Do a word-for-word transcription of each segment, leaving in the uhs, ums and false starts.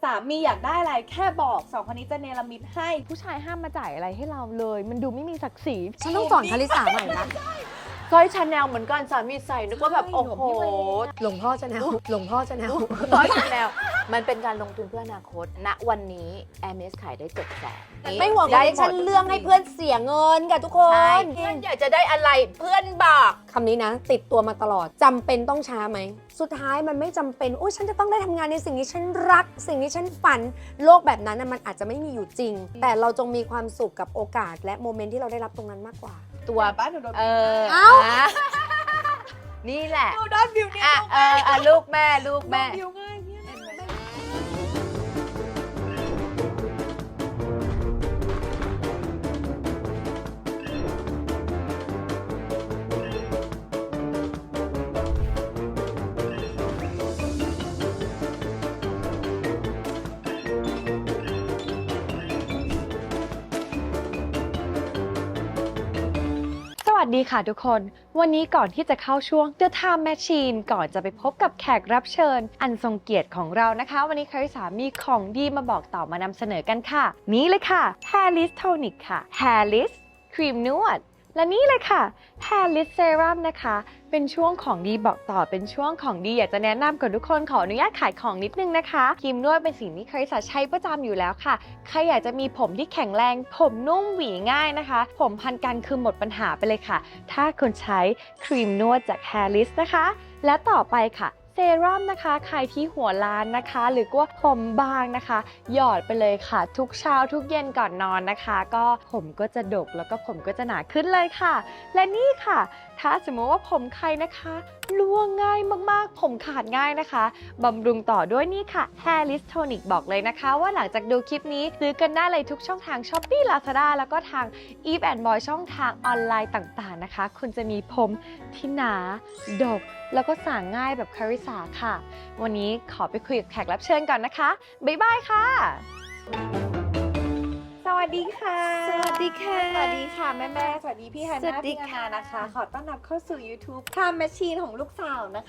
ามีอยากได้อะไรแค่บอกสองคนนี้จะเนรมิตให้ผู้ชายห้ามมาจ่ายอะไรให้เราเลย มันดูไม่มีศักดิ์ศรีฉันต้องสอนคาริสาใหม่นะสร้อยชาแนลเหมือนกันสามีใส่นึกว่าแบบโอ้โหหลวงพ่อจะแนวหลวงพ่อจะแนวสร้อยชาแนลมันเป็นการลงทุนเพื่ออนาคตณวันนี้ แอร์เมส ขายได้เจ็ดแสนไม่ห่วงได้ฉันเรื่องให้เพื่อนเสียเงินกับทุกคใช่นเพื่อนอยากจะได้อะไรเพื่อนบอกคำนี้นะ ติดตัวมาตลอดจำเป็นต้องช้าไหม สุดท้ายมันไม่จำเป็นโอ้ยฉันจะต้องได้ทำงานในสิ่งที่ฉันรัก สิ่งที่ฉันฝันโลกแบบนั้นนะมันอาจจะไม่มีอยู่จริง แต่เราจงมีความสุขกับโอกาส และโมเมนต์ที่เราได้รับตรงนั้นมากกว่าตัวบ้านหนูโดนเออเอ้าอ่ะนี่แหละหนูโดนวิวเนี่ยอ่ะเอออ่ะลูกแม่ลูกแม่วิวง่ายเนี่ยเห็นไหมสวัสดีค่ะทุกคน วันนี้ก่อนที่จะเข้าช่วง The Time Machine ก่อนจะไปพบกับแขกรับเชิญ อันทรงเกียรติของเรานะคะ วันนี้คาริสามีของดีมาบอกต่อมานำเสนอกันค่ะ นี่เลยค่ะ Hairless Tonic ค่ะ Hairless ครีมนวด และนี่เลยค่ะ Hairless Serum นะคะ เป็นช่วงของดีบอกต่อเป็นช่วงของดีอยากจะแนะนำกับทุกคนขออนุญาตขายของนิดนึงนะคะครีมนวดเป็นสิ่งที่คาริสาใช้ประจำอยู่แล้วค่ะใครอยากจะมีผมที่แข็งแรงผมนุ่มหวีง่ายนะคะ ผมพันกันคือหมดปัญหาไปเลยค่ะ ถ้าคุณใช้ครีมนวดจาก Hairless นะคะและต่อไปค่ะเซรั่มนะคะใครที่หัวล้านนะคะหรือว่าผมบางนะคะหยอดไปเลยค่ะ ทุกเช้าทุกเย็นก่อนนอนนะคะ ก็ผมก็จะดกแล้วก็ผมก็จะหนาขึ้นเลยค่ะ และนี่ค่ะ ถ้าสมมติว่าผมใครนะคะร่วงง่ายมากๆ ผมขาดง่ายนะคะบำรุงต่อด้วยนี่ค่ะ Hairless Tonic บอกเลยนะคะว่าหลังจากดูคลิปนี้ซื้อกันได้เลยทุกช่องทาง Shopee Lazada แล้วก็ทาง Eve and Boy ช่องทางออนไลน์ต่างๆนะคะคุณจะมีผมที่หนาดกแล้วก็สางง่ายแบบคาริสาค่ะ วันนี้ขอไปคุยกับแขกรับเชิญก่อนนะคะ บ๊ายบายค่ะสวัสดีค่ะสวัสดีค่ะสวัสดีค่ะแม่แม่ๆสวัสดีพี่ฮันสวัน่าสดีพี่นาค่ะนานะคะ ขอต้อนรับเข้าสู่ YouTube Time Machine ของลูกสาวนะคะ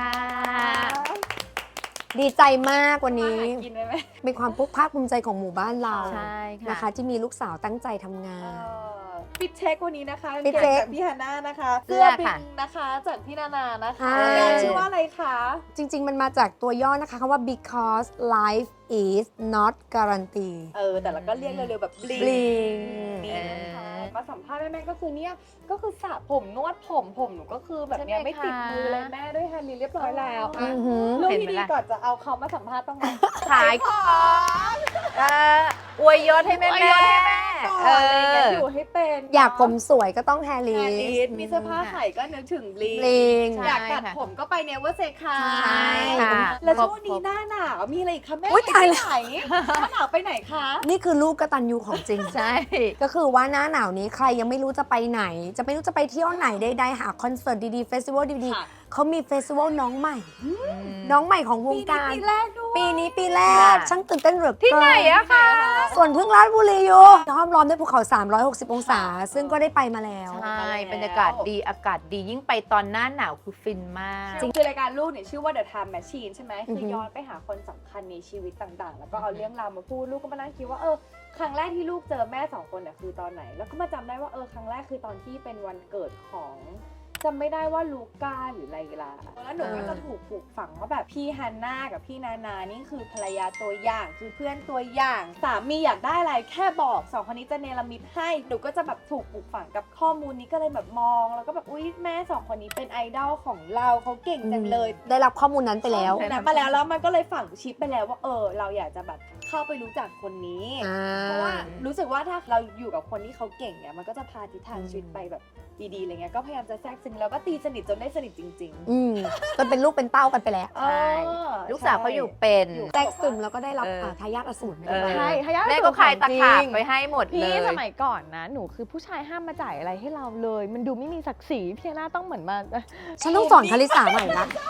ดีใจมากวันนี้มาหากินได้ไหมเป็นความภาคภูมิใจของหมู่บ้านเราใช่ค่ะนะคะ ที่มีลูกสาวตั้งใจทำงาเอน อปิดเช็ควันนี้นะคะปิดเช็คจากพี่ฮันน่านะคะเสื้อบิค่ะนนะคะจากพี่นานานะคะใช่งานชื่อว่าอะไรคะจริง ๆ มันมาจากตัวย่อนะคะคำว่า because life is not guarantee เออแต่เราก็เรียกเร็วๆแบบบลิง bling นี่นะคะมาสัมภาษณ์แม่ๆก็คือเนี่ยก็คือสระผมนวดผมผมหนูก็คือแบบเนี้ยใช่ไหมไม่ติดคะมือเลยแม่ด้วยแฮนด์ลีเรียบร้อยแล้วอือ่ะอหือเรื่องเห็นที่ไหมดีล่ะก่อนจะเอาเขามาสัมภาษณ์ต้องไหมขายของเอออวยยศให้แม่อวยแม่ยศให้แม่เออะไรอย่างเงี้ยออยู่ให้เป็นอยากผมสวยก็ต้องแฮร์แฮรี่นด์ลีมีเสื้อผ้าใส่ก็นึกถึงบลิงบลิงใช่อยากตัดผมก็ไปเนเวอร์เซคาใช่ค่ะแล้วช่วงนี้หน้าหนาวมีอะไรอีกคะแม่อุ๊ยไปตายไหนหน้าหนาวไปไหนคะนี่คือลูกกตัญญูของจริงใช่ก็คือว่าหน้าหนาวนี้ใครยังไม่รู้จะไปไหน จะไม่รู้จะไปเที่ยวไหนใดๆหาคอนเสิร์ตดีๆเฟสติวัลดีค่ะๆเขามีเฟสติวัลน้องใหม่ น้องใหม่ของวงปีนี้การปีแรกด้วยปีนี้ปีแรกค่ะช่างตื่นเต้นเหลือเกินที่ไหนอะคะส่วนพึ่งราชบุรีอยู่ห้อมล้อมด้วยภูเขา สามร้อยหกสิบ องศา ซึ่งก็ได้ไปมาแล้วใช่บรรยากาศดีอากาศดียิ่งไปตอนหน้าหนาวคือฟินมากจริงคือรายการลูกเนี่ยชื่อว่า The Time Machine ใช่ไหมอือคืฮึอย้อนไปหาคนสำคัญในชีวิตต่างๆ แล้วก็เอาเรื่องราวมาพูดลูกก็มานั่งคิดว่าเออครั้งแรกที่ลูกเจอแม่สองคนเนี่ยคือตอนไหน แล้วก็มาจำได้ว่าเออครั้งแรกคือตอนที่เป็นวันเกิดของจำไม่ได้ว่าลูก้าหรือไลลาแล้วหนูก็จะถูกปลูกฝังว่าแบบพี่ฮันน่ากับพี่นานานี่คือภรรยาตัวอย่างคือเพื่อนตัวอย่างสามีอยากได้อะไรแค่บอกสองคนนี้จะเนรมิตให้หนูก็จะแบบถูกปลูกฝังกับข้อมูลนี้ก็เลยแบบมองแล้วก็แบบอุ๊ยแม่สองคนนี้เป็นไอดอลของเราเขาเก่งจังเลยได้รับข้อมูลนั้นไปแล้วข้อมูลนั้นมาแล้วแล้วมันก็เลยฝังชิปไปแล้วว่าเออเราอยากจะแบบเข้าไปรู้จักคนนี้อ่าเพราะว่ารู้สึกว่าถ้าเราอยู่กับคนที่เขาเก่งเนี่ยมันก็จะพาทิศทางชีวิตไปแบบดีๆอะไรเงี้ยก็พยายามจะแทรกซึมแล้วก็ตีสนิทจนได้สนิทจริงอืมจนเป็นลูกเป็นเต้ากันไปแล้วๆใช่เออลูกสาวเขาอยู่เป็นอยู่แทรกซึมแล้วก็ได้รับเอออ่าทายาทอสูรเออใช่ทายาทแม่ก็ขายตะขาบไปให้หมดเลพี่ยสมัยก่อนนะ หนูคือผู้ชายห้ามมาจ่ายอะไรให้เราเลย มันดูไม่มีศักดิ์ศรีพี่นาต้องเหมือนมาฉันต้องสอนคาริสาใหม่ละ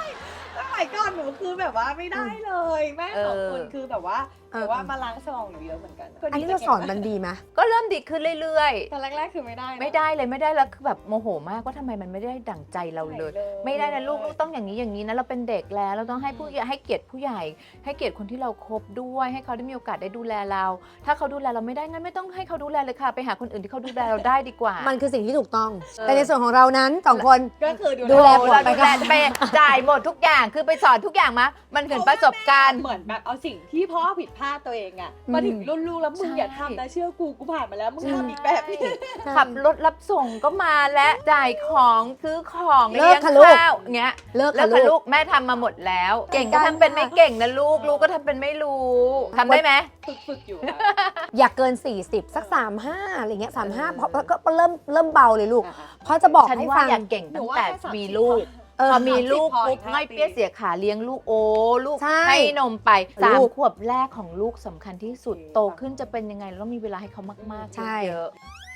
สมัยก่อนหนูคือแบบว่าไม่ได้เลยแม่สองคนเออคือแบบว่าเออแต่ว่ามาล้างสมองหนูเยอะเหมือนกันอันนี้เราสอนมันดีไหมก็เริ่มดีขึ้นเรื่อยตอนแรกๆคือไม่ได้ๆนะไม่ได้เลยไม่ได้แล้วคือแบบโมโหมากว่าทำไมมันไม่ได้ดั่งใจเราเลย ไม่ได้นะลูกลูกต้องอย่างนี้อย่างนี้นะเราเป็นเด็กแล้วเราต้องให้ผู้ใหญ่ให้เกียรติผู้ใหญ่ ให้เกียรติคนที่เราคบด้วย ให้เขาได้มีโอกาสได้ดูแลเรา ถ้าเขาดูแลเราไม่ได้งั้นไม่ต้องให้เขาดูแลเลยค่ะ ไปหาคนอื่นที่เขาดูแลเราได้ดีกว่ามันคือสิ่งที่ถูกต้องเออแต่ในส่วนของเรานั้นสองคนก็คือดูแลโอ้ผัวเราไปดูก่แลอนไปจ่ายหมดทุกอย่างคือไปสอนทุกอย่างมามันเกิดประสบการณ์เหมือนแบบเอาสิ่งที่พ่อผิดพลาดตัวเองอะมาถึงรุ่นลูกแล้วมึงอย่าทำนะเชื่อกูกูผ่านมาแล้วมึงทำอีกแบบนี้ขับรถรับส่งก็มาและจ่ายของซื้อของเลิเลี้กยงค่ะลูกข้าวเงี้ยเลิกเลิค่ะกค่ะลูลูกกแม่ทำมาหมดแล้ว เก่งก็การทำเป็นค่ะไม่เก่งนะลูกลูกก็ทำเป็นไม่รู้ทำได้ไหมฝึกฝึกอยู่ค่ะอยากเกิน สี่สิบ สัก สามสิบห้า อะไรเงี้ย สามสิบห้าเพราะก็เริ่มเริ่มเบาเลยลูก เพราะจะบอกฉันให้ว่าฟังอยากเก่งตั้งแต่หนูว่าแค่สามสิบมีลูกเออพอมีลูกสามสิบปุ๊บพออีกง่อยห้าเปี้ยปีเสียขาเลี้ยงลูกโอ้ลูกใช่ให้นมไปสามลูกขวบแรกของลูกสำคัญที่สุดโตขึ้นจะเป็นยังไงเราต้องมีเวลาให้เขามากๆใช่เยอะ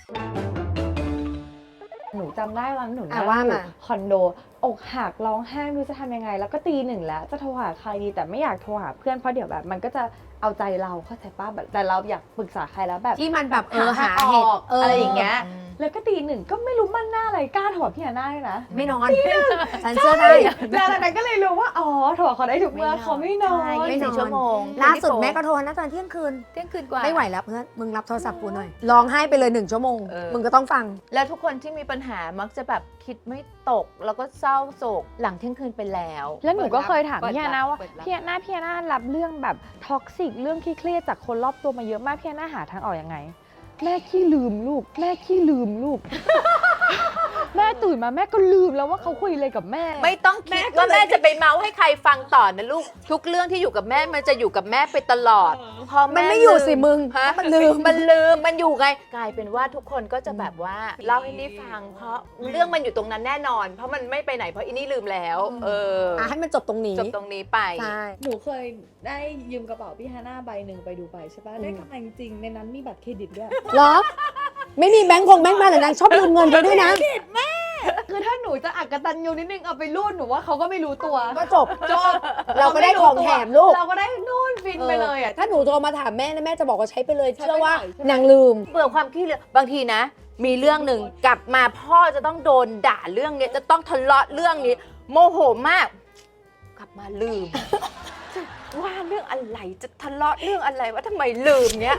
หนูจำได้วันหนูอ่ะนั่งว่าอยู่มาคอนโดอกหักร้องไห้ไม่รู้จะทำยังไง แล้วก็ตีหนึ่งแล้วจะโทรหาใครดีแต่ไม่อยากโทรหาเพื่อนเพราะเดี๋ยวแบบ มันก็จะเอาใจเราเข้าใจป้ะแบบแต่เราอยากปรึกษาใครแล้วแบบที่มันแบบเออหาอเหตุอกเออออะไรอย่างเงี้ยอืมแล้วก็ตีหนึ่งก็ไม่รู้มันหน้าอะไรกล้าโทรพี่ฮาน่าด้วยนะไม่นอนฉันเชื่อได้แล้วจากนั้นก็เลยรู้ว่าอ๋อโทรเขาได้ทุกเมื่อเขาไม่นอนใช่ไม่นอนยี่สิบสี่ชั่วโมงล่าสุดแม่ก็โทรนะตอนเที่ยงคืนเที่ยงคืนกว่าไม่ไหวแล้วเพื่อนมึงรับโทรศัพท์กูหน่อยร้องไห้ไปเลยหนึ่งชั่วโมงเออมึงก็ต้องฟังแล้วทุกคนที่มีปัญหามักจะแบบคิดไม่ตก แล้วก็เศร้าโศกหลังเที่ยงคืนไปแล้วแล้วหนูก็เคยถามเปิดพี่ฮารับน่าว่าเปิดรับพี่ฮาน่าพี่ฮาน่ารับเรื่องแบบท็อกซิกเรื่องเครียดๆจากคนรอบตัวมาเยอะมากพี่ฮาน่าหาทางออกยังไง แม่ขี้ลืมลูก แม่ขี้ลืมลูก แม่ตื่นมาแม่ก็ลืมแล้วว่าเขาคุยอะไรกับแม่ไม่ต้องคิดว่าแม่จะไปเมาให้ใครฟังต่อนะลูก ทุกเรื่องที่อยู่กับแม่มันจะอยู่กับแม่ไปตลอด พอมันแไม่อยู่สิมึงฮะมันลืมมันลืมมันอยู่ไงกลายเป็นว่าทุกคนก็จะแบบว่าเล่าให้นี่ฟัง เพราะเรื่องมันอยู่ตรงนั้นแน่นอน เพราะมันไม่ไปไหนเพราะอินี่ลืมแล้ว เอออ่ะให้มันจบตรงนี้จบตรงนี้ไปใช่หนูเคยได้ยืมกระเป๋าพี่ฮาน่าใบหนึ่งไปดูใบใช่ป่ะอืมได้กำไรจริงๆในนั้นมีบัตรเครดิตด้วยเหรอ ไม่มีแบงค์คงแบงค์มาแต่นางชอบลืมเงินไปด้วยนะคือถ้าหนูจะอักตันยูนิดนึงเอาไปรูดหนูว่าเขาก็ไม่รู้ตัวก็จบจบเราก็ได้ของแถมลูกเราก็ได้นู่นฟินไปเลยอ่ะถ้าหนูโทรมาถามแม่นะแม่จะบอกว่าใช้ไปเลยใช้เชื่อว่าไปหน่อยใช่ไหมนางลืมเบื่อความขี้เหลือบางทีนะ มีเรื่องหนึ่งกลับมาพ่อจะต้องโดนด่าเรื่องนี้จะต้องทะเลาะเรื่องนี้ โมโหมาก กลับมาลืม จะว่าเรื่องอะไรจะทะเลาะเรื่องอะไรว่าทำไมลืมเนี้ย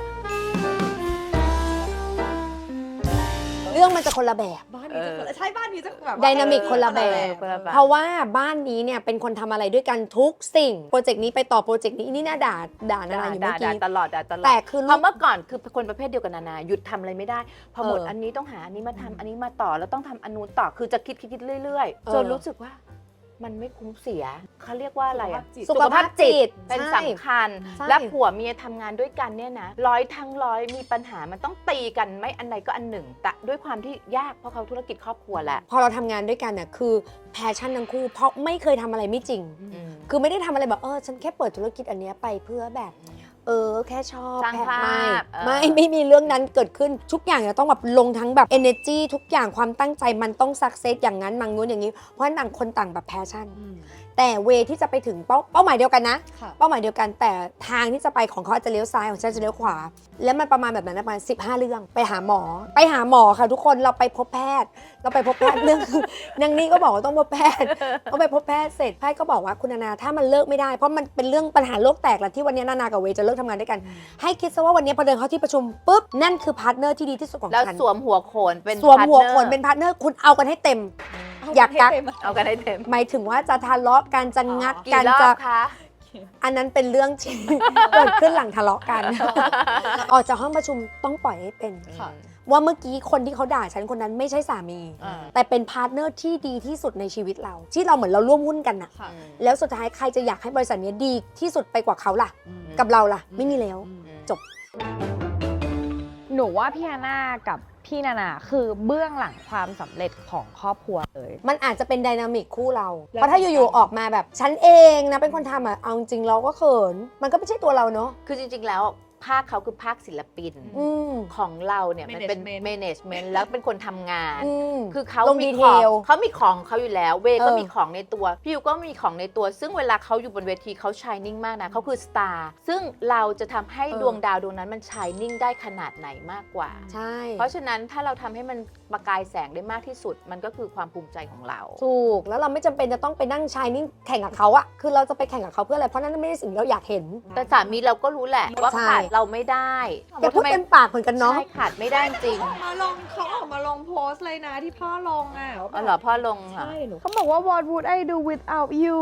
เรื่องมันจะคนละแบบบ้านนี้จะคนละใช่บ้านนี้จะแบบว่ไดนามิกคนละแบบคนละแบบเพราะว่าบ้านนี้เนี่ยเป็นคนทำอะไรด้วยกันทุกสิ่ง โปรเจกต์นี้ไปต่อโปรเจกต์นี้นี่น่าด่าด่านานาอยู่เมื่อด่ากี้ตลอดด่าตลอดแต่คือเพลูราะกเมื่อก่อนคือคนประเภทเดียวกันนานาหยุดทำอะไรไม่ได้ พอหมดเอออัอันนี้ต้องหาอันนี้มาทำอันนี้มาต่อแล้วต้องทำอันนู้นต่อคือจะคิดคิดคิดเรื่อยเออๆจนรู้สึกว่า มันไม่คุ้มเสียเขาเรียกว่าอะไรอะสุขภาพจิตเป็นใช่สำคัญใช่และผัวเมียทำงานด้วยกันเนี่ยนะร้อยทั้งร้อยมีปัญหามันต้องตีกันไม่อันใดก็อันหนึ่ง แต่ด้วยความที่ยากเพราะเขาธุรกิจครอบครัวแหละพอเราทำงานด้วยกันเนี่ยคือแพชชั่นทั้งคู่เพราะไม่เคยทำอะไรไม่จริงอืมคือไม่ได้ทำอะไรแบบเออฉันแค่เปิดธุรกิจอันเนี้ยไปเพื่อแบบ เออแค่ชอบสร้างแค่ภาพไม่เออไม่ไม่มีเรื่องนั้นเกิดขึ้นทุกอย่างจะต้องแบบลงทั้งแบบ energy ทุกอย่างความตั้งใจมันต้อง success อย่างนั้นมังนู้นอย่างนี้ เพราะฉะนั้นต่างคนต่างแบบแพชชั่นอืมแต่เวที่จะไปถึงเป้าเป้าหมายเดียวกันนะค่ะเป้าหมายเดียวกันแต่ทางที่จะไปของเขาอาจจะเลี้ยวซ้ายของฉันจะเลี้ยวขวา แล้วมันประมาณแบบนั้นประมาณสิบห้าเรื่องไปหาหมอ ไปหาหมอค่ะทุกคนเราไปพบแพทย์ เราไปพบแพทย์เรื่อง นางนี่ก็บอกว่าต้องพบแพทย์ก็ไปพบแพทย์เสร็จแพทย์ก็บอกว่าคุณนานาถ้ามันเลิกไม่ได้เพราะมันเป็นเรื่องปัญหาโลกแตกแหละที่วันนี้นานากับเวจะเลิกทำงานด้วยกัน ให้คิดซะว่าวันนี้พอเดินเข้าที่ประชุมปุ๊บนั่นคือพาร์ทเนอร์ที่ดีที่สุดของแล้วฉันสวมหัวโขนเป็นสวมหัวพาร์ทโขเนอร์นเป็นพาร์ทเนอร์คุณเอากันให้เต็ม อยากกักเอากันให้เต็มหมายถึงว่าจะทะเลาะกันจะงัดกี่กันรอจะบคะอันนั้นเป็นเรื่องที่ เกิดขึ้นหลังทะเลาะกัน ออกจากห้องประชุมต้องปล่อยให้เป็นค่ะว่าเมื่อกี้คนที่เขาด่าฉันคนนั้นไม่ใช่สามีอ่าแต่เป็นพาร์ทเนอร์ที่ดีที่สุดในชีวิตเรา ที่เราเหมือนเราร่วมหุ้นกันน่ะค่ะแล้วสุดท้ายใครจะอยากให้บริษัทนี้ดีที่สุดไปกว่าเขาล่ะอืมกับเราล่ะ ไม่มีแล้วอืมจบหนูว่าพี่ฮาน่ากับพี่นานาคือเบื้องหลังความสำเร็จของครอบครัวเลยมันอาจจะเป็นไดนามิกคู่เราแล้วเพราะถ้าอยู่ๆออกมาแบบฉันเองนะเป็นคนทำอ่ะเอาจริงๆเราก็เขิน มันก็ไม่ใช่ตัวเราเนาะคือจริงๆ แล้วภาคเขาคือภาคศิลปินอืมของเราเนี่ยมันเป็น Management management แล้วเป็นคนทำงานอืมคือเขาลงมีดีเทของลเขามีของเขาอยู่แล้ว เวก็เออมีของในตัวพี่ยูก็มีของในตัว ซึ่งเวลาเขาอยู่บนเวทีเขาชายนิ่งมากนะเขาคือสตาร์ซึ่งเราจะทำให้ดวงดาวดวงนั้นมันชายนิ่งได้ขนาดไหนมากกว่าใช่เพราะฉะนั้นถ้าเราทำให้มันประกายแสงได้มากที่สุด มันก็คือความภูมิใจของเราถูกแล้วเราไม่จำเป็นจะต้องไปนั่งชายนิ่งแข่งกับเขาอะคือเราจะไปแข่งกับเขาเพื่ออะไรเพราะนั่นไม่ได้สิ่งที่เราอยากเห็นแต่สามีเราก็รู้แหละว่าใช่ขาดเราไม่ได้แกพูดเต็มปากเหมือนกันเนาะใช่ขาดไม่ได้จริงมาลงเขาออกมาลงโพสต์เลยนะที่พ่อลงอ่ะว่าอ๋อเหรอพ่อลงเหรอใช่หนูเขาบอกว่า what would I do without you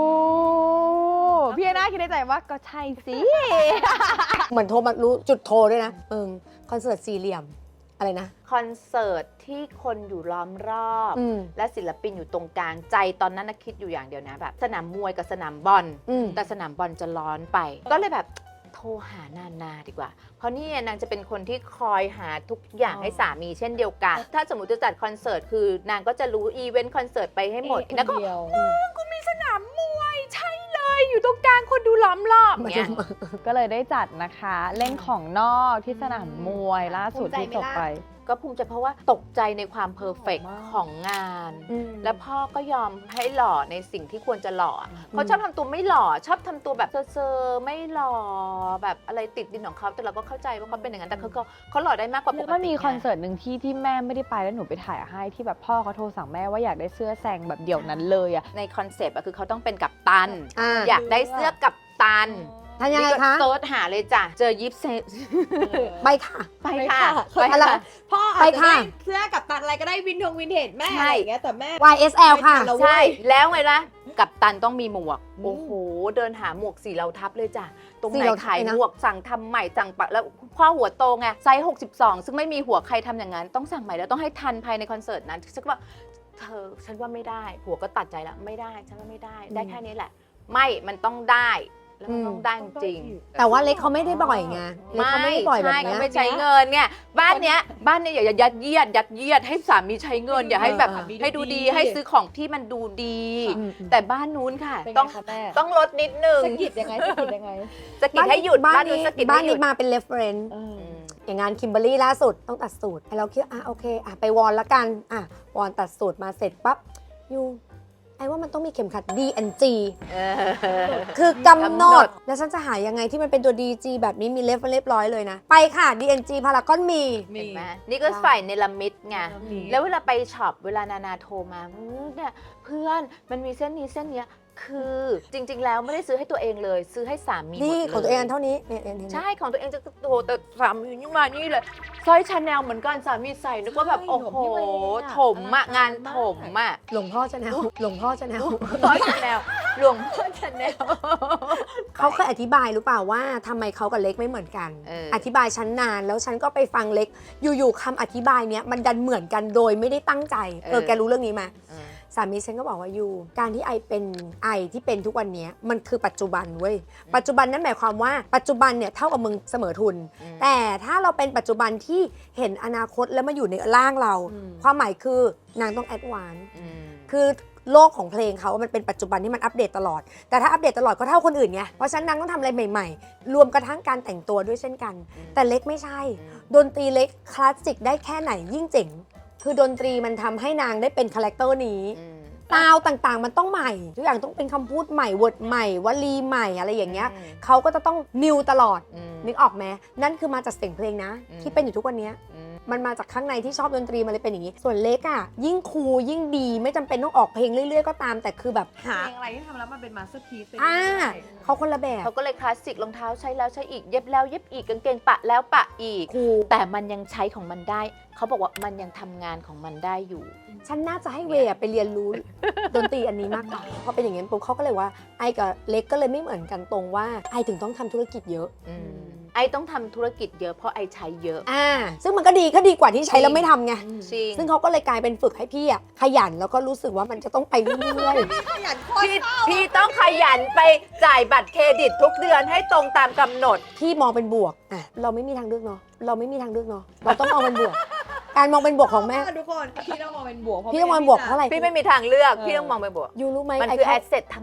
พี่แอนนาคิดในใจว่าก็ใช่สิเหมือนโทรมารู้จุดโทรด้วยนะเออคอนเสิร์ตสี่เหลี่ยมอะไรนะคอนเสิร์ตที่คนอยู่ล้อมรอบอืมและศิลปินอยู่ตรงกลางใจตอนนั้นนะคิดอยู่อย่างเดียวนะแบบสนามมวยกับสนามบอลอืมแต่สนามบอลจะร้อนไป ก็เลยแบบโทรหานานาดีกว่า เพราะนี่นางจะเป็นคนที่คอยหาทุกอย่างให้สามีเช่นเดียวกัน ถ้าสมมติจะจัดคอนเสิร์ตคือนางก็จะรู้อีเวนต์คอนเสิร์ตไปให้หมดแล้วก็เดียวกูมีสนามมวยใช่เลยอยู่ตรงกลางคนดูล้อมรอบเนี่ยก็เลยได้จัดนะคะ เล่นของนอกที่สนามมวยล่าสุดที่จบไปก็ภูมิใจเพราะว่าตกใจในความเพอร์เฟกต์ของงานอืมแล้วพ่อก็ยอมให้หล่อในสิ่งที่ควรจะหล่อเขาชอบทำตัวไม่หล่อชอบทำตัวแบบเซอร์ๆไม่หล่อแบบอะไรติดดินของเขาแต่เราก็เข้าใจว่าเขาเป็นอย่างนั้นแต่เขาก็เขาหล่อได้มากกว่าปแล้วกมันติมีไงคอนเสิร์ตหนึ่งที่ที่แม่ไม่ได้ไปแล้วหนูไปถ่ายให้ที่แบบพ่อเขาโทรสั่งแม่ว่าอยากได้เสื้อแซงแบบเดี่ยวนั้นเลยอะในคอนเซปต์อะคือเขาต้องเป็นกัปตันอ่าอยากได้เสื้อกัปตันทำยังไงนี่ก็คะเซิร์ชหาเลยจ้ะเจอยิปเซไปค่ะไปค่ะไปอะไรค่ะพ่ออาจไปจะค่ะได้เสื้อกับตันอะไรก็ได้วินทงวินเทจแม่ใช่อะไรอย่างเงี้ยแต่แม่วาย เอส แอล ค่ะไม่ทันแล้วใช่แล้วไงล่ะกัปตันต้องมีหมวกอืมโอ้โห เดินหาหมวกสีเหลาทับเลยจ้ะ ตรงสีไหนเหลาทับขายเลยนะหมวกสั่งทำใหม่สั่งปะแล้วพ่อหัวโตไงไซส์หกสิบสองซึ่งไม่มีหัวใครทำอย่างนั้น ต้องสั่งใหม่แล้วต้องให้ทันภายในคอนเสิร์ตนั้นฉันก็บอกเธอฉันว่าไม่ได้ หัวก็ตัดใจแล้วไม่ได้ฉันว่าไม่ได้ ได้แค่นี้แหละ ไม่มันต้องได้แล้วมันต้องได้จริงๆแต่ว่าเล็กเขาไม่ได้บ่อยไงเล็กเขาไม่ได้บ่อยแบบใช่เนี้เขายไม่ใช้เงินเนี่ยบ้านเนี้ยบ้านเนี้ยอย่ายัดเยียดยัดเยียดให้สามีใช้เงินอย่าให้แบบเออให้ดูดีให้ซื้อของที่มันดูดีอืมแต่บ้านนู้นค่ะเป็นไงต้องคะแม่ต้องลดนิดนึงสะกิดยังไงสะกิดยังไงสะกิดให้หยุดบ้าบ้าน นนี้นู้นสะกิดบ้าให้นหยุนี้ดมาเป็น reference เอออืมอย่างงานคิมเบอร์รี่ล่าสุดต้องตัดสูตรไอ้เราคิดว่าอ่ะโอเคอ่ะไปวอนละกันอ่ะวอนตัดสูตรมาเสร็จปั๊บยูไอ้ว่ามันต้องมีเข็มขัด ดี แอนด์ จีเออคือกำหนกำหนดดแล้วฉันจะหายังไงที่มันเป็นตัว ดี จี แบบนี้มีเลฟเรียบร้อยเลยนะ ไปค่ะ ดี เอ็น จี พารากอนมีมีเห็นไหมนี่ก็ฝ่ายเนลมิดไงมีแล้วเวลาไปช็อปเวลานานาโทรมาอื้อเนี่ยเพื่อนมันมีเส้นนี้เส้นเนี้ยคือจริง ๆ แล้วไม่ได้ซื้อให้ตัวเองเลย ซื้อให้สามีหมดนี่เลยของตัวเองอันเท่านี้เนี่ยเนี่ยเนี่ยใช่ของตัวเองจะโตแต่สามีนี่มานี่เลยสร้อยชาแนลเหมือนกันสามีใส่นึกว่าแบบใช่โอ้โหหลวงพี่เวย์อะถมอะอลังการงานถมอะหลวงพ่อชาแนลหลวงพ่อชาแนลสร้อยชาแนลหลวงพ่อชาแนลเขาเคยอธิบายหรือเปล่าว่าทำไมเขากับเล็กไม่เหมือนกันเอออธิบายฉันนานแล้วฉันก็ไปฟังเล็ก อยู่ๆคำอธิบายเนี้ยมันดันเหมือนกันโดยไม่ได้ตั้งใจ เออแกรู้เรื่องนี้ไหมเออสามีฉันก็บอกว่ายูการที่ไอเป็นไอที่เป็นทุกวันเนี้ยมันคือปัจจุบันเว้ยปัจจุบันนั่นหมายความว่าปัจจุบันเนี่ยเท่ากับมึงเสมอทุนอืมแต่ถ้าเราเป็นปัจจุบันที่เห็นอนาคตแล้วมาอยู่ในร่างเราอืมความหมายคือนางต้องแอดวานซ์อืมคือโลกของเพลงเขามันเป็นปัจจุบันที่มันอัปเดตตลอด แต่ถ้าอัปเดตตลอดก็เท่าคนอื่นไงเพราะฉะนั้นนางต้องทำอะไรใหม่ๆ รวมกระทั่งการแต่งตัวด้วยเช่นกัน แต่เล็กไม่ใช่ ดนตรีเล็กคลาสสิกได้แค่ไหนยิ่งเจ๋งคือดนตรีมันทำให้นางได้เป็นคาแรคเตอร์นี้อืมซาวด์ต่างๆ มันต้องใหม่ ทุกอย่างต้องเป็นคำพูดใหม่เวิร์ดใหม่วลีใหม่อะไรอย่างเงี้ยอืมเขาก็จะต้องนิวตลอดอืมนึกออกไหมนั่นคือมาจากเสียงเพลงนะอืมที่เป็นอยู่ทุกวันเนี้ยอืมมันมาจากข้างในที่ชอบดนตรีมันเลยเป็นอย่างนี้ ส่วนเล็กอ่ะยิ่งคูลยิ่งดีไม่จำเป็นต้องออกเพลงเรื่อยๆก็ตาม แต่คือแบบหาเพลงอะไรที่ทำแล้วมันเป็นมาสเตอร์พีซอ่าเขาคนละแบบเขาก็เลยคลาสสิกรองเท้าใช้แล้วใช้อีกเย็บแล้วเย็บอีกกางเกงปะแล้วปะอีกคูลแต่มันยังใช้ของมันได้ เขาบอกว่ามันยังทำงานของมันได้อยู่ฉันน่าจะให้เวย์อะไปเรียนรู้ ดนตรีอันนี้มากกว่าพอเป็นอย่างนี้ปุ๊บเขาก็เลยว่าไอ้กับเล็กก็เลยไม่เหมือนกันตรงว่าไอ้ถึงต้องทำธุรกิจเยอะอืมไอต้องทำธุรกิจเยอะเพราะไอใช้เยอะอ่าซึ่งมันก็ดีก็ดีกว่าที่ใช้แล้วไม่ทำไงจริงซึ่งเขาก็เลยกลายเป็นฝึกให้พี่อะขยันแล้วก็รู้สึกว่ามันจะต้องไปเรื่อยขยันโคตรพี่พี่ต้องขยันไปจ่ายบัตรเครดิตทุกเดือนให้ตรงตามกำหนดๆพี่มองเป็นบวกอ่ะเราไม่มีทางเลือกเนาะเราไม่มีทางเลือกเนาะเราต้องมองเป็นบวก การมองเป็นบวกของแม่ทุกคนพี่ต้องมองเป็นบวกเพราะพี่ต้องมองเป็นบวกเพราะอะไรพี่ไม่มีทางเลือกเออพี่ต้องมองไปบวกยูรู้ไหมมันไอ้คือแค่แอสเซททั้งหมด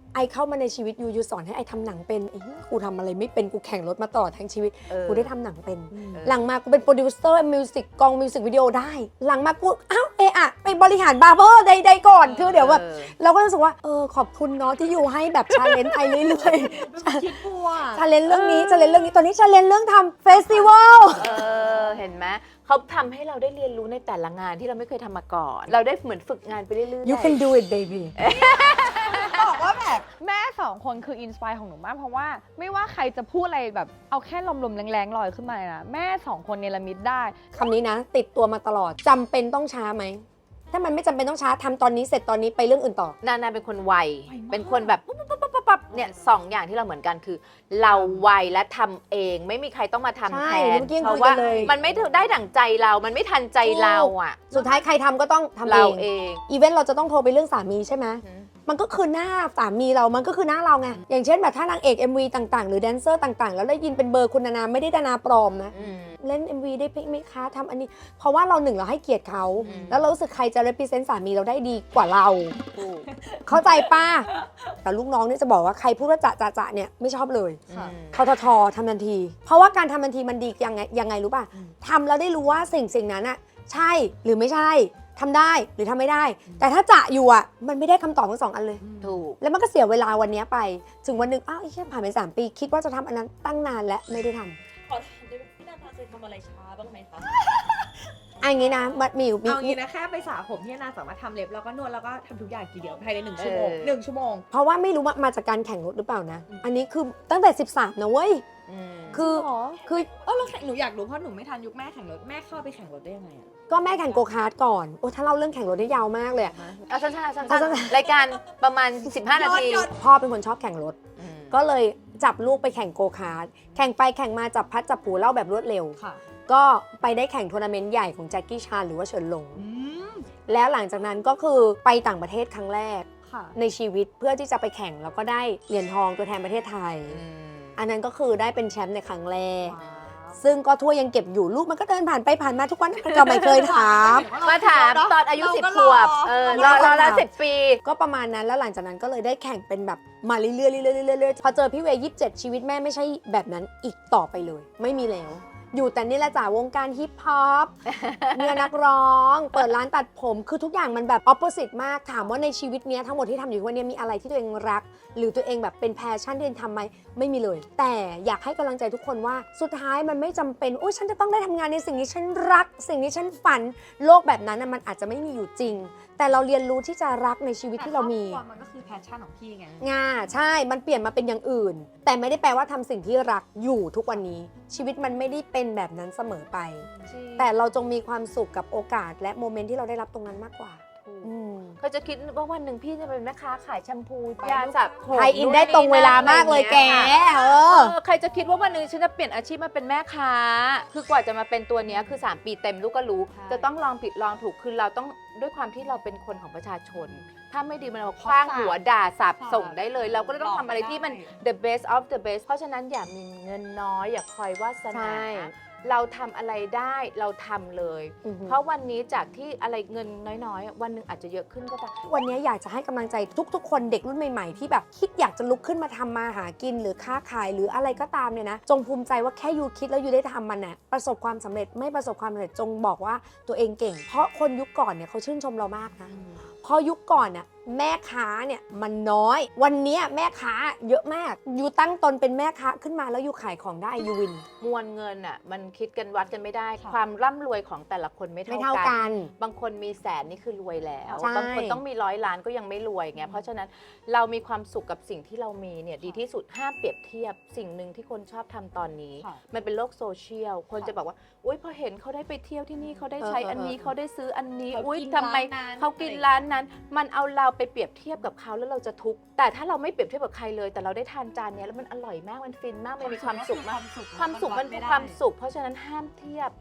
ไอเข้ามาในชีวิตยูยูสอนให้ไอทำหนังเป็นไอ้เหี้ยกูทำอะไรไม่เป็นกูแข่งรถมาตลอดทั้งชีวิตเออกูได้ทำหนังเป็นเออหลังมากูเป็นโปรดิวเซอร์มิวสิกกองมิวสิกวิดีโอได้ หลังมากูอ้าวเอะอะไปบริหารบาร์เบอร์ใดๆก่อนคือเดี๋ยวแบบออเราก็รู้สึกว่าเออขอบคุณเนาะที่อยู่ให้แบบชาเลนจ์ไอเรื่อยๆคิดบัวชาเลนจ์เรื่องนี้ชาเลนจ์เรื่องนี้ตอนนี้ชาเลนจ์เรื่องทำเฟสติวัลเออเห็นไหมเขาทำให้เราได้เรียนรู้ในแต่ละงานที่เราไม่เคยทำมาก่อน เราได้เหมือนฝึกงานไปเรื่อยๆ you can do it baby บอกว่าแบบแม่สองคนคืออินสปายของหนูมากเพราะว่าไม่ว่าใครจะพูดอะไรแบบเอาแค่ลมๆแรงๆลอยขึ้นมาเลยนะแม่สองคนเนรมิตได้คำนี้นะ ติดตัวมาตลอดจำเป็นต้องช้าไหม ถ้ามันไม่จำเป็นต้องช้าทำตอนนี้เสร็จตอนนี้ไปเรื่องอื่นต่อนานาเป็นคนไวไวมากเป็นคนแบบปุ๊บปุ๊บปุ๊บปุ๊บปุ๊บเนี่ยสองอย่างที่เราเหมือนกันคือ เราไวและทำเอง ไม่มีใครต้องมาทำใช่แทนเมื่อกี้ยังเพคุยราะกัว่านเลยมันไม่ได้ดั่งใจเรา มันไม่ทันใจเราอ่ะสุดท้ายใครทำก็ต้องทำเอเรางเองอีเวนต์เราจะต้องโทรไปเรื่องสามีใช่ไหมอืมมันก็คือหน้าสามีเรา มันก็คือหน้าเราไง อย่างเช่นแบบถ้านางเอก เอ็ม วี ต่างๆ หรือแดนเซอร์ต่างๆ แล้วได้ยินเป็นเบอร์คุณนานาไม่ได้ดานาปลอมนะอืมเล่น เอ็ม วี ได้ไหมคะทำอันนี้ เพราะว่าเราหนึ่งเราให้เกียรติเขาอืมแล้วเรารู้สึกใครจะ represent สามีเราได้ดีกว่าเราถูกเข้าใจป้า แต่ลูกน้องเนี่ยจะบอกว่าใครพูดว่าจะจะจะเนี่ยไม่ชอบเลยค่ะอืมททททำทันที เพราะว่าการทำทันทีมันดียังไงยังไงรู้ป่ะอืมทำแล้วได้รู้ว่าสิ่งสิ่งนั้นอะใช่หรือไม่ใช่ทำได้หรือทำไม่ได้ แต่ถ้าจะอยู่อะมันไม่ได้คำตอบทั้งสองอันเลยถูกแล้วมันก็เสียเวลาวันนี้ไป ถึงวันหนึ่งอ้าวไอ้เชี่ยผ่านไปสามปี คิดว่าจะทำอันนั้นตั้งนานและไม่ได้ทำขอถามได้ไหมพี่นานาเคยทำอะไรช้าบ้างไหมคะอันนี้นะมันมีอยู่มีเอางี้นะแค่ไปสระผมที่นาสามารถทำเล็บแล้วก็นวดแล้วก็ทำทุกอย่างทีเดียวภายในหนึ่งชั่วโมงเออหนึ่งชั่วโมงเพราะว่าไม่รู้ว่ามาจากการแข่งรถหรือเปล่านะ อันนี้คือตั้งแต่สิบสามนะเว้ยอืมคือคือเออเราแข่งหนูอยากรู้เพราะหนูไม่ทันยุคแม่แข่งรถแม่เข้าไปแข่งรถได้ยังไงอะก็แม่แข่งโกคาร์ทก่อน โอ้ถ้าเล่าเรื่องแข่งรถได้ยาวมากเลยอะเอาสั้นๆสั้สั้นนๆรายการประมาณ สิบห้า นาทีพ่อเป็นคนชอบแข่งรถอืมก็เลยจับลูกไปแข่งโกคาร์ทแข่งไปแข่งมาจับพัดจับผูเล่าแบบรวดเร็วค่ะก็ไปได้แข่งทัวร์นาเมนต์ใหญ่ของแจ็คกี้ชานหรือว่าเฉินหลงอืมแล้วหลังจากนั้นก็คือไปต่างประเทศครั้งแรกค่ะในชีวิตเพื่อที่จะไปแข่งแล้วก็ได้เหรียญทองตัวแทนประเทศไทยอืมอันนั้นก็คือได้เป็นแชมป์ในครั้งแรกว้าวซึ่งก็ทั่วยยังเก็บอยู่ลูกมันก็เดินผ่านไปผ่านมาทุกวันก็ไม่เคยถามมาถามตอนอายุเราสิบก็ขรอวบ เออรอรอแล้วสิบปีก็ประมาณนั้นแล้วหลังจากนั้นก็เลยได้แข่งเป็นแบบมาเรื่อยๆเรื่อยๆเรื่อยๆพอเจอพี่เวย์ยี่สิบเจ็ดชีวิตแม่ไม่ใช่แบบนั้นอีกต่อไปเลย ไม่มีแล้ว อยู่แต่นี่แหละจ้าวงการฮิปฮอป เมียนักร้อง เปิดร้านตัดผมคือทุกอย่างมันแบบออปโปสิตมากถามว่าในชีวิตเนี้ยทั้งหมดที่ทำอยู่วันนี้มีอะไรที่ตัวเองรัก หรือตัวเองแบบเป็นแพชชั่นที่ตัวเองทำไหมไม่มีเลย แต่อยากให้กำลังใจทุกคนว่าสุดท้ายมันไม่จำเป็นโอ้ยฉันจะต้องได้ทำงานในสิ่งที่ฉันรัก สิ่งที่ฉันฝันโลกแบบนั้นน่ะมันอาจจะไม่มีอยู่จริง แต่เราเรียนรู้ที่จะรักในชีวิตที่เรามีแต่คอบครัวมันก็คือแพชชั่นของพี่ไงงาใช่ มันเปลี่ยนมาเป็นอย่างอื่น แต่ไม่ได้แปลว่าทำสิ่งที่รักอยู่ทุกวันนี้ ชีวิตมันไม่ได้เป็นแบบนั้นเสมอไป แต่เราจงมีความสุขกับโอกาสและโมเมนต์ที่เราได้รับตรงนั้นมากกว่าอืมเขาจะคิดว่าวันหนึ่งพี่จะเป็นแม่ค้าขายแชมพูไปยาสระผมไทยอินได้ตรงเวลามากเลยแก เอเอออใครจะคิดว่าวันหนึ่งฉันจะเปลี่ยนอาชีพมาเป็นแม่ค้า คือกว่าจะมาเป็นตัวเนี้ยคือ สาม ปีเต็มลูกก็รู้ใช่จะต้องลองผิดลองถูกคือเราต้องด้วยความที่เราเป็นคนของประชาชน ถ้าไม่ดีมันเอาคว้างหัวด่าสับส่งได้เลย เราก็เลยต้องทำอะไรที่มัน the best of the best เพราะฉะนั้นอย่ามีเงินน้อยอย่าคอยวาสใช่นาเราทำอะไรได้เราทำเลยอือหือเพราะวันนี้จากที่อะไรเงินน้อยๆ วันหนึ่งอาจจะเยอะขึ้นก็ได้วันนี้อยากจะให้กำลังใจทุกๆ คนเด็กรุ่นใหม่ๆ ที่แบบคิดอยากจะลุกขึ้นมาทำมาหากินหรือค้าขายหรืออะไรก็ตามเนี่ยนะ จงภูมิใจว่าแค่ยูคิดแล้วยูได้ทำมันน่ะประสบความสำเร็จไม่ประสบความสำเร็จจงบอกว่าตัวเองเก่ง เพราะคนยุคก่อนเนี่ยเขาชื่นชมเรามากนะ เพราะยุคก่อนน่ะแม่ค้าเนี่ยมันน้อย วันเนี้ยแม่ค้าเยอะมากยูตั้งตนเป็นแม่ค้าขึ้นมาแล้วยูขายของได้ยูวินมวลเงินอ่ะมันคิดกันวัดกันไม่ได้ค่ะความร่ำรวยของแต่ละคนไม่ไม่เท่าเท่ากักัน นบางคนมีแสนนี่คือรวยแล้วใช่บางคนต้องมีร้อยล้านก็ยังไม่รวยไงเพราะฉะนั้นเรามีความสุขกับสิ่งที่เรามีเนี่ยดีที่สุดห้ามเปรียบเทียบสิ่งหนึ่งที่คนชอบทำตอนนี้ค่ะมันเป็นโลกโซเชียลคนจะบอกว่าอุ้ยพอเห็นเขาได้ไปเที่ยวที่นี่เขาได้ใช้เออเอออันนี้เออเขาได้ซื้ออันนี้เขาอุ้ยกินทำไมร้านนั้นเขากินร้านนั้น มันเอาเราไปเปรียบเทียบกับเขาแล้วเราจะทุกข์แต่ถ้าเราไม่เปรียบเทียบกับใครเลย แต่เราได้ทานจานเนี้ยแล้วมันอร่อยมากมันฟินมากมันมีความสุขมาก ความสุขมันคือความสุข เพราะฉะนั้นห้ามเทียบ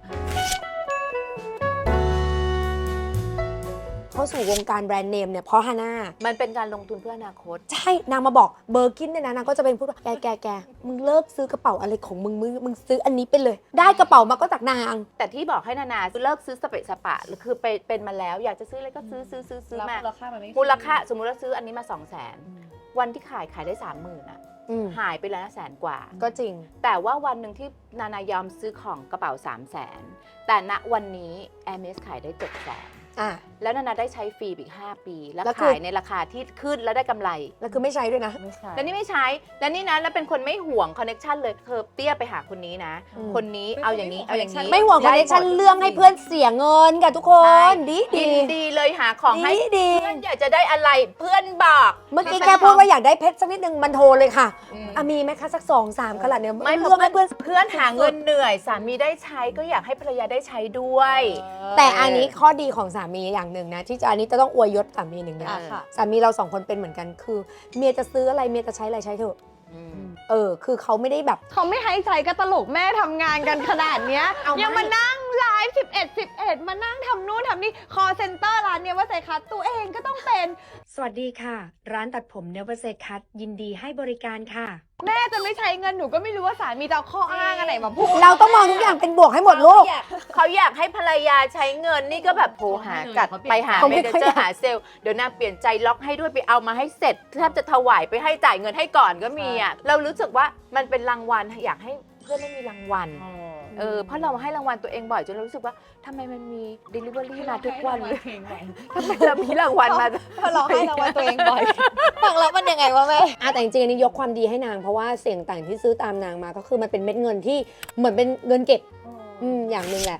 เข้าสู่วงการแบรนด์เนมเนี่ยเพราะฮาน่ามันเป็นการลงทุนเพื่ออนาคตใช่นางมาบอกเบอร์กินเนี่ยนะนางก็จะเป็นพูดว่าแกแกแกมึงเลิกซื้อกระเป๋าอะไรของมึงมึงมึงซื้ออันนี้ไปเลย ได้กระเป๋ามาก็จากนางแต่ที่บอกให้นานาเลิกซื้อสเปะสปะหรือคือไปเป็นมาแล้ว อยากจะซื้ออะไรก็ซื้อซื้อซื้อซื้อแล้วมามูลค่ามันไม่มูลค่าสมมุติเราซื้ออันนี้มาสองแสนวันที่ขายขายได้สามหมื่นอะอืมหายไปแล้วแสนกว่าก็จริงแต่ว่าวันหนึ่งที่นานายอมซื้อของกระเป๋าสามแสนแต่ณวันนี้ Hermes ขายได้เจ็ดแสนอ่ะแล้วนานาได้ใช้ฟรีอีกห้าปี แล้วแล้วคือขายในราคาที่ขึ้นแล้วได้กำไรแล้วคือไม่ใช้ด้วยนะไม่ใช่แล้วนี่ไม่ใช้ แล้วนี่นะแล้วเป็นคนไม่ห่วงคอนเน็ชันเลยเธอเปี้ยไปหาคนนี้นะอืมคนนี้เอาอย่างนี้เอาอย่างนี้ไม่ห่วงคอนเนคชั่นได้หมดเรื่องให้เพื่อนเสียเงินกับทุกคน ดียิดีนดีเลยหาของให้ดีดีเพื่อนอยากจะได้อะไรเพื่อนบอกเมื่อกี้แค่พูดว่าอยากได้เพชรสักนิดนึงมันโทรเลยค่ะอืมอ่ะมีไหมคะสักสองสามขนาดเนี้ยไม่เรื่องให้เพื่อนเพื่อนหาเงินเหนื่อยสามีได้ใช้ก็อยากให้ภรรยาได้ใช้ด้วยแต่อันนี้ข้อดีของสามีอย่างหนึ่งนะที่จะอันนี้จะต้องอวยยศสามีหนึ่งอย่างอ่ะค่ะสามีเราสองคนเป็นเหมือนกันคือ เมียจะซื้ออะไรเมียจะใช้อะไรใช้เถอะอืมเออ คือเขาไม่ได้แบบเขาไม่ให้ใจก็ตลกแม่ทำงานกันขนาดเนี้ยเอายังมานั่งไลฟ์สิบเอ็ด สิบเอ็ดมานั่งทำนู่นทำนี่คอเซ็นเตอร์ร้านเนี้ยว่าใส่คัดตัวเองก็ต้องเป็นสวัสดีค่ะ ร้านตัดผมเนเวอร์เซคัทยินดีให้บริการค่ะแม่จะไม่ใช้เงินหนูก็ไม่รู้ว่าสามีจะเอาข้ออ้างอะไรมาพูดเราต้องมองทุกอย่างเป็นบวกให้หมดลูกเขาอยากให้ภรรยาใช้เงินนี่ก็แบบโทรหากัดไปหาเขาเมไม่เนค่อยเจอร์หาเซลล์เดี๋ยวนางเปลี่ยนใจล็อกให้ด้วยไปเอามาให้เสร็จแทบจะถวายไปให้จ่ายเงินให้ก่อนก็มีอ่ะเรารู้สึกว่ามันเป็นรางวัลอยากให้เพื่อนได้มีรางวัลเออเพราะเราให้รางวัลตัวเองบ่อยจนเรารู้สึกว่าทำไมมันมี delivery มาทุกวันเลยทำไมเรามีรางวัลมาพอเราให้รางวัลตัวเองบ่อย ฟังแล้วมันยังไงวะแม่อ่ะแต่จริงๆอันนี้ยกความดีให้นางเพราะว่าเสียงต่างที่ซื้อตามนางมาก็คือมันเป็นเม็ดเงินที่เหมือนเป็นเงินเก็บ อืมอย่างหนึ่งแหละ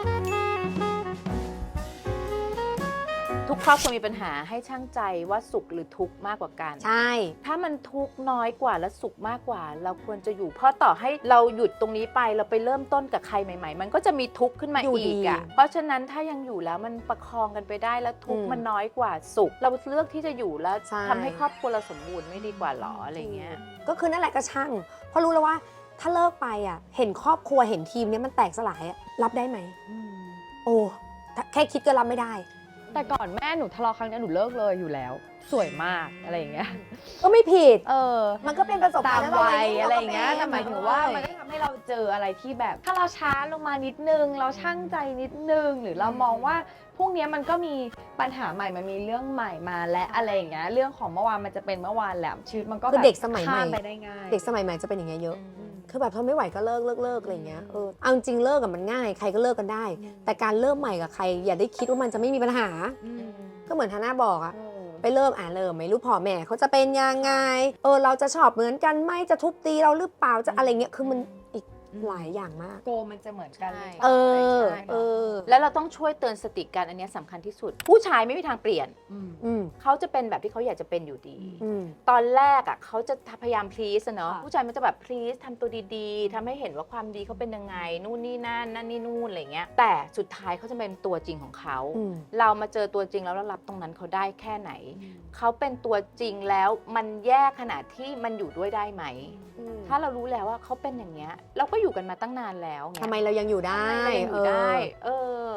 ทุกครอบครัวมีปัญหาให้ช่างใจว่าสุขหรือทุกข์มากกว่ากันใช่ถ้ามันทุกข์น้อยกว่าและสุขมากกว่า เราควรจะอยู่ เพราะต่อให้เราหยุดตรงนี้ไปเราไปเริ่มต้นกับใครใหม่ๆ มันก็จะมีทุกข์ขึ้นมาอยู่อีดีกอ่ะเพราะฉะนั้นถ้ายังอยู่แล้วมันประคองกันไปได้แล้วทุกข์อืมมันน้อยกว่าสุข เราเลือกที่จะอยู่แล้วใช่ทำให้ครอบครัวเราสมบูรณ์ไม่ดีกว่าหรออะไรเงี้ยก็คือนั่นแหละก็ช่าง เพราะรู้แล้วว่าถ้าเลิกไปอ่ะ เห็นครอบครัวเห็นทีมเนี้ยมันแตกสลายอ่ะรับได้ไหม โอ้ถ้าแค่คิดก็รับไม่ได้แต่ก่อนแม่หนูทะเลาะครั้งนี้หนูเลิกเลยอยู่แล้ว สวยมากอะไรอย่างเงี้ยก็ไม่ผิดเออมันก็เป็นประสบตาการมณ์วัยแล้วอะไรอย่างเงี้ยก็แต่หมายถึงว่ามันก็ทำให้เราเจออะไรที่แบบ ถ้าเราช้าลงมานิดนึง เราช่างใจนิดนึง หรือเรามองว่าพรุ่งนี้มันก็มีปัญหาใหม่ มันมีเรื่องใหม่มาและอะไรอย่างเงี้ย เรื่องของเมื่อวานมันจะเป็นเมื่อวานแหละชีวิตมันก็คือแบบเด็กสมัยใหม่ข้ามไปได้ง่ายเด็กสมัยใหม่จะเป็นอย่างเงี้ยเยอะ คือแบบทนไม่ไหวก็เลิกเลิกเลิกอะไรอย่างเงี้ย เออ เอาจริงๆเลิกกับมันง่าย ใครก็เลิกกันได้ แต่การเริ่มใหม่กับใครอย่าได้คิดว่ามันจะไม่มีปัญหา ก็เหมือนฮาน่าบอกอะไปเริ่มอ่านเริ่มไม่รู้พ่อแม่เขาจะเป็นยังไง เออ เราจะชอบเหมือนกันไหมจะทุบตีเราหรือเปล่า จะอะไรเงี้ย คือมันอีกหลายอย่างมากโกมันจะเหมือนกันใช่เออใช่เออแล้วเราต้องช่วยเตือนสติกันอันเนี้ยสำคัญที่สุด ผู้ชายไม่มีทางเปลี่ยนอืมเขาจะเป็นแบบที่เขาอยากจะเป็นอยู่ดีอืมตอนแรกอ่ะเขาจะพยายามพลีสเนาะค่ะผู้ชายมันจะแบบพลีสทำตัวดีๆทำให้เห็นว่าความดีเขาเป็นยังไง นู่นนี่นั่นนั่นนี่นู่นอะไรเงี้ยแต่สุดท้ายเขาจะเป็นตัวจริงของเขาอืมเรามาเจอตัวจริงแล้วเรารับตรงนั้นเขาได้แค่ไหน เขาเป็นตัวจริงแล้วมันแย่ขนาดที่มันอยู่ด้วยได้ไหม ถ้าเรารู้แล้วว่าเขาเป็นอย่างเงี้ยเราก็อยู่กันมาตั้งนานแล้วเงี้ยทำไมเรายังอยู่ได้ทำไมเรายังอยู่ได้ เออ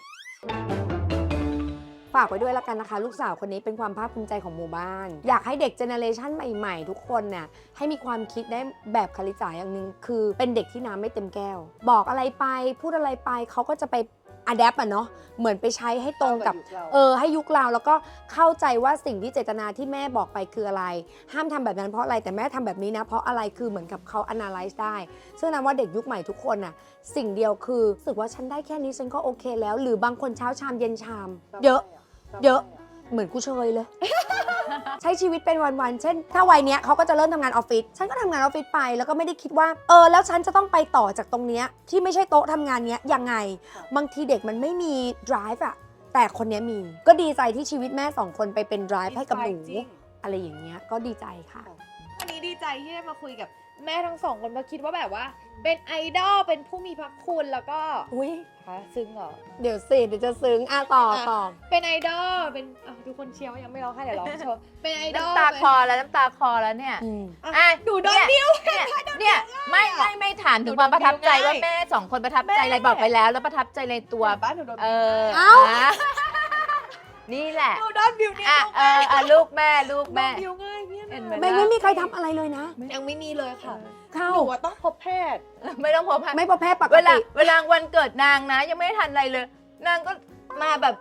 ฝากไว้ด้วยละกันนะคะ ลูกสาวคนนี้เป็นความภาคภูมิใจของหมู่บ้าน อยากให้เด็กเจเนอเรชันใหม่ๆ ทุกคนเนี่ยให้มีความคิดได้แบบคาริจ๋าอย่างหนึ่งคือเป็นเด็กที่น้ำไม่เต็มแก้ว บอกอะไรไปพูดอะไรไปเขาก็จะไปอะแดปอะเนาะเหมือนไปใช้ให้ตรงกับ เออให้ยุคเราแล้วก็เข้าใจว่าสิ่งที่เจตนาที่แม่บอกไปคืออะไร ห้ามทำแบบนั้นเพราะอะไรแต่แม่ทำแบบนี้นะ เพราะอะไรคือเหมือนกับเขา analyze ได้ ซึ่งนั้นว่าเด็กยุคใหม่ทุกคนน่ะสิ่งเดียวคือรู้สึกว่าฉันได้แค่นี้ฉันก็โอเคแล้ว หรือบางคนเช้าชามเย็นชาม เยอะ เยอะเหมือนกูเชยเลย ใช้ชีวิตเป็นวันๆเช่น ถ้าวัยเนี้ยเขาก็จะเริ่มทำงานออฟฟิศฉันก็ทำงานออฟฟิศไปแล้วก็ไม่ได้คิดว่าเออแล้วฉันจะต้องไปต่อจากตรงเนี้ยที่ไม่ใช่โต๊ะทำงานเนี้ยยังไง บางทีเด็กมันไม่มี drive อะแต่คนเนี้ยมี ก็ดีใจที่ชีวิตแม่สองคนไปเป็น drive ให้กับหนูจริงอะไรอย่างเงี้ยก็ดีใจค่ะวันนี้ดีใจที่ได้มาคุยกับแม่ทั้งสองคนเพราะคิดว่าแบบว่า เป็นไอดอลเป็นผู้มีพระคุณแล้วก็อุ้ยฮะซึ้งเหรอเดี๋ยวสิเดี๋ยวจะซึ้งอ่ะต่อต่อเป็นไอดอลเป็นอ้าวทุกคนเชียร์ว่ายังไม่ร้องไห้เดี๋ยวร้องโชว์เป็นไอดอลน้ำตาคลอแล้วน้ำตาคลอแล้วเนี่ยอืมอ่ะอ่ะหนูโดนเนี่ยเนี่ยเนี่ยไม่ไม่ไม่ถามถึงความประทับใจว่าแม่สองคนประทับใจอะไรบอกไปแล้ว แล้วประทับใจในตัวบ้านหนูโดนเออเอ้าะนี่แหละหนูโดนบิวเนี่ยอ่ะเอออ่ะลูกแม่ลูกแม่บิวง่ายเนี่ยเห็นไหมไม่ไม่มีใครทำอะไรเลยนะยังไม่มีเลยค่ะเข้าหนูอะต้องพบแพทย์ไม่ต้องพบค่ะไม่พอแพทย์ปกเวลาติเวลาวันเกิดนางนะ ยังไม่ได้ทันอะไรเลย นางก็มาแบบ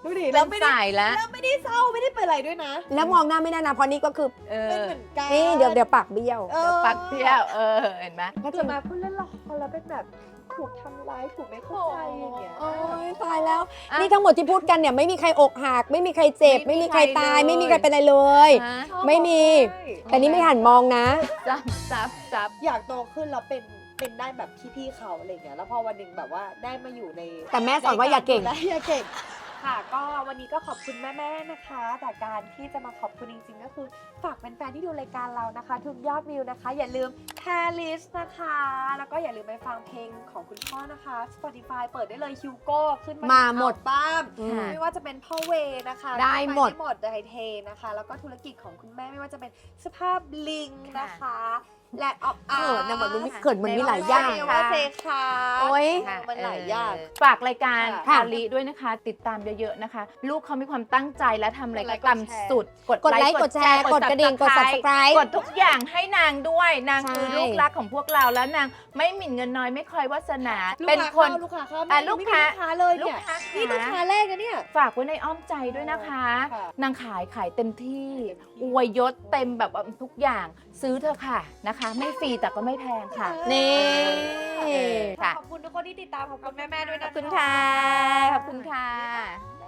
ดูดิแล้แล้ว วไม่ได้สายแล้วแล้วไม่ได้เศร้าไม่ได้เป็นอะไรด้วยนะแล้วมองหน้าไม่ได้นะเพราะนี่ก็คือเอเป็นอเหมือนกันนี่เดี๋ยวเดี๋ยวปากเบี้ยวเออเดี๋ยวปัดเที่ยวเออเห็นไหมถ้าเกิดมาพูดเล่นละครแล้วเป็นแบบถูกทำร้ายถูกไม่เข้าใจอย่างเงี้ยโอ้ยตายแล้วอ่ะนี่ทั้งหมดที่พูดกันเนี่ยไม่มีใครอกหัก ไม่มีใครเจ็บไม่ไม่มีมีใครตายใครเลยไม่มีใครเป็นอะไรเลยฮะไม่มี แต่นี่ไม่หันมองนะซับซับซับอยากโตขึ้นแล้วเป็นเป็นได้แบบพี่ๆเขาอะไรเงี้ยแล้วพอวันหนึ่งแบบว่าได้มาอยู่ในแต่แม่สอนว่าอย่าเก่งและอย่าเก่งค่ะก็วันนี้ก็ขอบคุณแม่ๆนะคะ แต่การที่จะมาขอบคุณจริงๆก็คือฝากเป็นแฟนๆที่ดูรายการเรานะคะ ทุกยอดวิวนะคะ อย่าลืมแพลิสนะคะ แล้วก็อย่าลืมไปฟังเพลงของคุณพ่อนะคะ Spotify เปิดได้เลยฮิวโก้ขึ้นมาหมดบ้ามอืมไม่ว่าจะเป็นพ่อเวนะคะได้หมดได้หมดไดเทนะคะ แล้วก็ธุรกิจของคุณแม่ไม่ว่าจะเป็นสภาพลิงนะคะและออฟอาร์เขินนะเหมือนมันมีเขินเหมือนมีหลายอย่างเว่าเซคาโอ๊ยมันหลายอย่างเออฝากรายการค่ะคาริด้วยนะคะ ติดตามเยอะๆนะคะ ลูกเขามีความตั้งใจและทำอะไรกดไลก็ค์ตามกดแชร์สุดกดไลค์กดแชร์กดกระดิ่งกด Subscribe กดทุกอย่างให้นางด้วย นางใช่คือลูกรักของพวกเราแล้วนางไม่หมิ่นเงินน้อยไม่คอยวาสนาลูกเป็นค้าคนเข้าลูกค้าเข้าอ่ะไม่ลูกมีค้าลูกค้าเลยลูกเนี่ยค้านี่ลูกค้าแรกนะเนี่ยฝากไว้ในอ้อมใจด้วยนะคะค่ะนางขายขายเต็มที่อวยยศเต็มแบบว่าทุกอย่างซื้อเถอะค่ะนะคะ ไม่ฟรีแต่ก็ไม่แพงค่ะนี่ค่ะขอบคุณทุกคนที่ติดตามขอบคุณแม่ๆด้วยขนะอบคุณค่ะ ขอบคุณค่ะบ๊ายบาย